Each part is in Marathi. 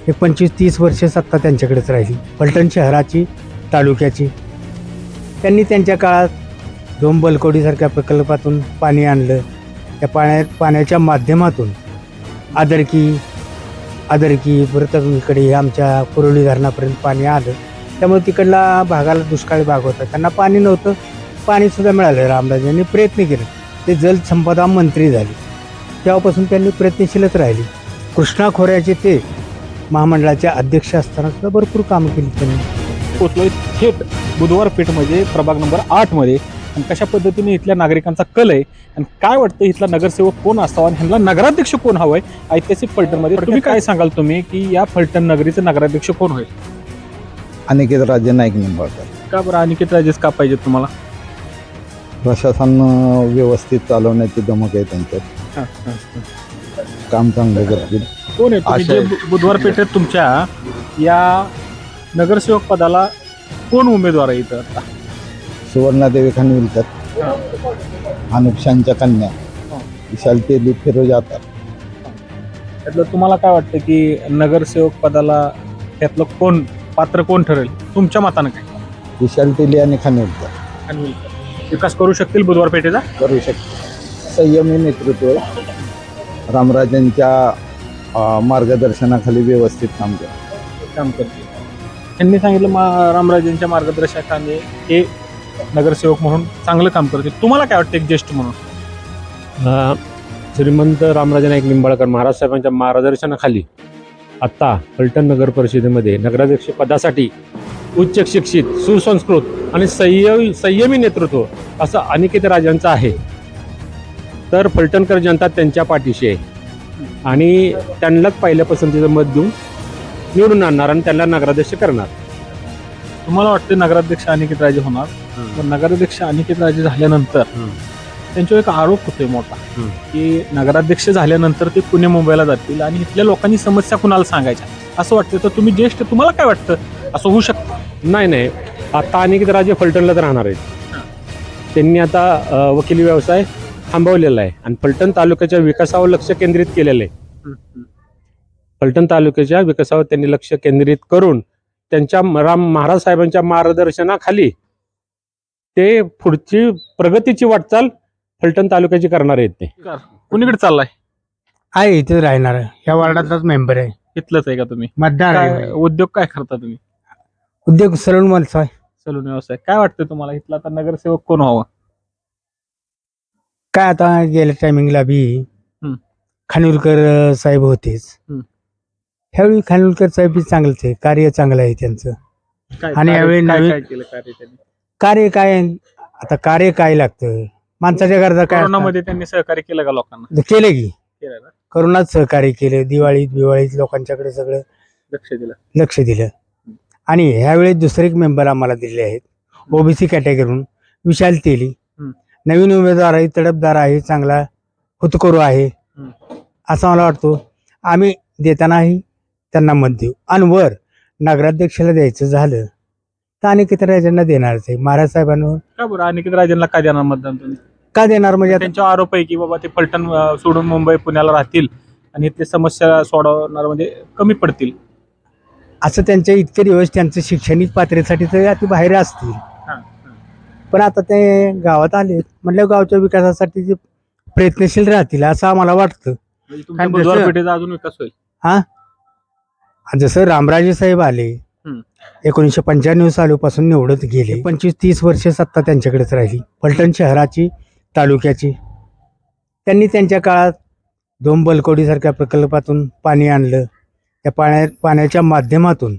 एक 25-30 वर्षे सत्ता त्यांच्याकडेच राहिली, फलटण शहराची, तालुक्याची. त्यांनी त्यांच्या काळात दोन बलकवडीसारख्या प्रकल्पातून पाणी आणलं. त्या पाण्याच्या माध्यमातून आदरकी परत इकडे आमच्या कुरोली धरणापर्यंत पाणी आलं. त्यामुळे तिकडला भागाला दुष्काळी भाग होता, त्यांना पाणी नव्हतं. पाणीसुद्धा मिळालं. रामराज यांनी प्रयत्न केले, ते जलसंपदा मंत्री झाले. तेव्हापासून त्यांनी प्रयत्नशीलच राहिली. कृष्णा खोऱ्याचे ते महामंडळाचे अध्यक्ष असताना सुद्धा भरपूर कामं केली त्यांनी. पोचलोय थेट बुधवार पेठमध्ये प्रभाग नंबर 8 मध्ये. आणि कशा पद्धतीने इथल्या नागरिकांचा कल आहे आणि काय वाटतं इथला नगरसेवक कोण असावा आणि ह्यांना नगराध्यक्ष कोण हवंय ऐतिहासिक फलटणमध्ये. तुम्ही काय सांगाल तुम्ही की या फलटण नगरीचं नगराध्यक्ष कोण होईल? अनिकेत राजे नाईक निंबाळकर. का बरं अनिकेत राजेच का पाहिजेत तुम्हाला? प्रशासन व्यवस्थित चालवण्याची धमक आहे त्यांच्यात. काम चांगलं करतील. कोण आहे तुम्ही जे बुधवार पेठेत तुमच्या या नगरसेवक पदाला कोण उमेदवार आहे इथं आता? सुवर्णादेवी खानविलकर, अनुपशांच्या कन्या विशाल तेली, फिरोज आतार. त्यातलं तुम्हाला काय वाटतं की नगरसेवक पदाला त्यातलं कोण पात्र कोण ठरेल तुमच्या मतानं? काय विशाल तेली आणि खानविलकर विकास करू शकतील बुधवार पेठेचा? करू शकते. संयमी नेतृत्व, रामराजांच्या मार्गदर्शनाखाली व्यवस्थित काम करतील. त्यांनी सांगितलं रामराजेंच्या मार्गदर्शनाखाली हे नगरसेवक म्हणून चांगलं काम करतील. तुम्हाला काय वाटतं एक ज्येष्ठ म्हणून? श्रीमंत रामराजे नाईक निंबाळकर महाराज साहेबांच्या मार्गदर्शनाखाली आत्ता फलटण नगर परिषदेमध्ये नगराध्यक्ष पदासाठी उच्च शिक्षित, सुसंस्कृत आणि संयमी नेतृत्व असं अनिकेत राजांचं आहे. तर फलटणकर जनता त्यांच्या पाठीशी आहे आणि त्यांनाच पहिल्या पसंतीचं मत देऊन निवडून आणणार आणि त्यांना नगराध्यक्ष करणार. तुम्हाला वाटतं नगराध्यक्ष अनिकेत राजे होणार? पण नगराध्यक्ष अनिकेत राजे झाल्यानंतर त्यांच्यावर एक आरोप होतोय मोठा की नगराध्यक्ष झाल्यानंतर ते पुणे मुंबईला जातील आणि इथल्या लोकांनी समस्या कुणाला सांगायच्या असं वाटतं. तर तुम्ही ज्येष्ठ, तुम्हाला काय वाटतं असं होऊ शकतं? नाही, आता अनिकेत राजे फलटणलाच राहणार आहेत. त्यांनी आता वकिली व्यवसाय थांबवलेला आहे आणि फलटण तालुक्याच्या विकासावर लक्ष केंद्रित केलेलं आहे. फलटण तालुक्याच्या विकासावर त्यांनी लक्ष केंद्रित करून त्यांच्या महाराज साहेबांच्या मार्गदर्शनाखाली ते पुढची प्रगतीची वाटचाल फलटण तालुक्याची करणार आहेत. ते कुणीकडे चाललाय? आहे इथेच राहणार, ह्या वार्डातलाच मेंबर आहे. इथलंच आहे का तुम्ही? मतदार आहे. उद्योग काय करता तुम्ही? उद्योग सलून व्यवसाय. सलून व्यवसाय. काय वाटतं तुम्हाला इथला आता नगरसेवक कोण व्हावा? काय आता गेल्या टायमिंगला बी खानविलकर साहेब होतेच. ह्यावेळी खानविलकर साहेब बी चांगलंच आहे, कार्य चांगलं आहे त्यांचं. आणि यावेळी नवीन कार्य काय, आता कार्य काय लागतं माणसाच्या गरजा काय? कोरोनामध्ये त्यांनी सहकार्य केलं का लोकांना? केलं की करोनात सहकार्य केलं, दिवाळीत लोकांच्याकडे सगळं लक्ष दिलं. आणि ह्यावेळी दुसरे एक मेंबर आम्हाला दिले आहेत ओबीसी कॅटेगरीतून, विशाल तेली. नवीन उमेदवार आहे, तडफदार आहे, चांगला हुतकरू आहे असं मला वाटतं. आम्ही देतानाही त्यांना मत देऊ. आणि वर नगराध्यक्षाला द्यायचं झालं तर अनिकेत राजांना देणारच आहे. महाराज साहेबांवर का बरं अनिकेत राजेंना का देणार मतदान तुम्ही? का देणार म्हणजे त्यांचा आरोप आहे की बाबा ते फलटण सोडून मुंबई पुण्याला राहतील आणि इथले समस्या सोडवणार म्हणजे कमी पडतील असं त्यांच्या इतके दिवस त्यांचं शैक्षणिक पात्रतेसाठी तर अति बाहेर असतील. पण आता ते गावात आले म्हटलं गावच्या विकासासाठी ते प्रयत्नशील राहतील असं आम्हाला वाटतं. बुधवार पेठेचा अजून विकास होईल. जसं रामराजे साहेब आले 1995 सालापासून निवडत गेले, 25-30 वर्षे सत्ता त्यांच्याकडेच राहिली, फलटण शहराची, तालुक्याची. त्यांनी त्यांच्या काळात दोन बलकवडीसारख्या प्रकल्पातून पाणी आणलं. त्या पाण्याच्या माध्यमातून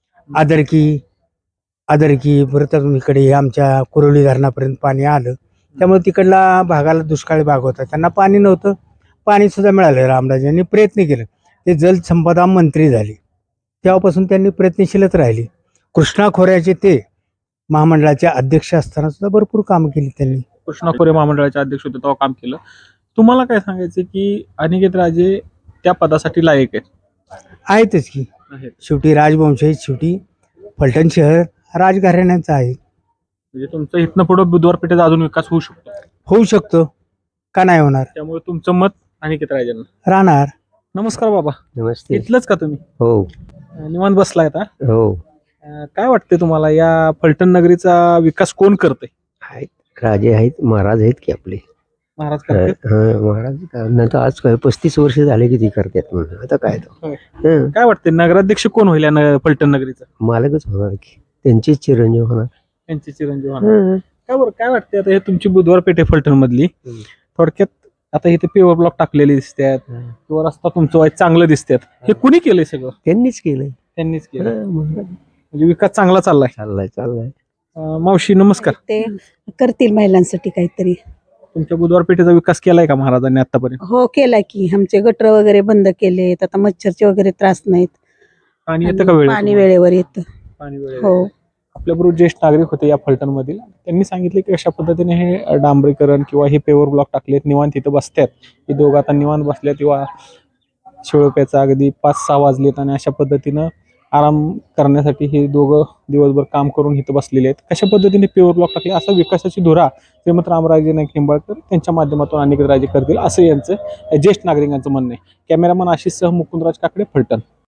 आदरकी परत इकडे आमच्या कुरोली धरणापर्यंत पाणी आलं. त्यामुळे तिकडला भागाला दुष्काळी भाग होता, त्यांना पाणी नव्हतं. पाणीसुद्धा मिळालं. रामराज यांनी प्रयत्न केले, ते जलसंपदा मंत्री झाले. तेव्हापासून त्यांनी प्रयत्नशीलच राहिली. कृष्णा खोऱ्याचे ते महामंडळाचे अध्यक्ष असताना सुद्धा भरपूर कामं केली त्यांनी. कृष्णा खोरे महामंडळाचे अध्यक्ष होते तेव्हा काम केलं. तुम्हाला काय सांगायचं की अनिकेत राजे त्या पदासाठी लायक आहेतच की. शेवटी राजवंश आहे, शेवटी फलटण शहर राजघराण्याचं आहे. म्हणजे तुमचं इथनं पुढे बुधवार पेठेचा अजून विकास होऊ शकतो का नाही होणार? त्यामुळे तुमचं मत अनिकेत राजेंना राहणार. नमस्कार बाबा. नमस्ते. इथलंच का तुम्ही? हो निवांत बसलाय आता. हो काय वाटतंय तुम्हाला या फलटण नगरीचा विकास कोण करते? आहेत, राजे आहेत, महाराज आहेत की आपले. महाराज करते. महाराज नंतर आज काय 35 वर्ष झाले की ती करतात म्हणून आता काय तो होय. हं, काय वाटतंय नगराध्यक्ष कोण होईल या फलटण नगरीचा? मालकच होणार की त्यांचेच चिरंजीव होणार. त्यांचे चिरंजीव होणार. हं, काय बरं काय वाटतंय आता हे तुमची बुधवार पेठ आहे फलटण मधली. हम्म. थोडक्यात आता इथे पेवर ब्लॉक टाकलेले दिसतात हं. किंवा रस्ता तुमचं वाईट चांगलं दिसतात. हे कुणी केलंय सगळं? त्यांनीच केलंय. त्यांनीच केलं. महाराज म्हणजे विकास चांगला चाललाय. चाललाय. मावशी नमस्कार. ते करतील महिलांसाठी काहीतरी. तुमच्या बुधवार पेठेचा विकास केलाय का महाराजांनी आतापर्यंत? हो केला की आमचे गटर वगैरे बंद केलेत, आता मच्छरचे वगैरे त्रास नाहीत. पाणी येतं का वेळेत? पाणी वेळेवर येतं. पाणी वेळेत. हो आपल्याबरोबर ज्येष्ठ नागरिक होते या फलटण मधील. त्यांनी सांगितले की अशा पद्धतीने हे डांबरीकरण किंवा हे पेवर ब्लॉक टाकलेत, निवांत इथं बसतात. हे दोघं आता निवांत बसल्यात किंवा शिवळप्याचा अगदी 5-6 वाजलेत आणि अशा पद्धतीनं आराम करण्यासाठी हे दोघं दिवसभर काम करून इथं बसलेले आहेत. कशा पद्धतीने पेवर ब्लॉक टाकले असा विकासाची धुरा श्रीमंत रामराजे नाईक निंबाळकर त्यांच्या माध्यमातून अनेक राजे करतील असं यांचं ज्येष्ठ नागरिकांचं म्हणणं आहे. कॅमेरामन आशिष सह मुकुंदराज काकडे, फलटण.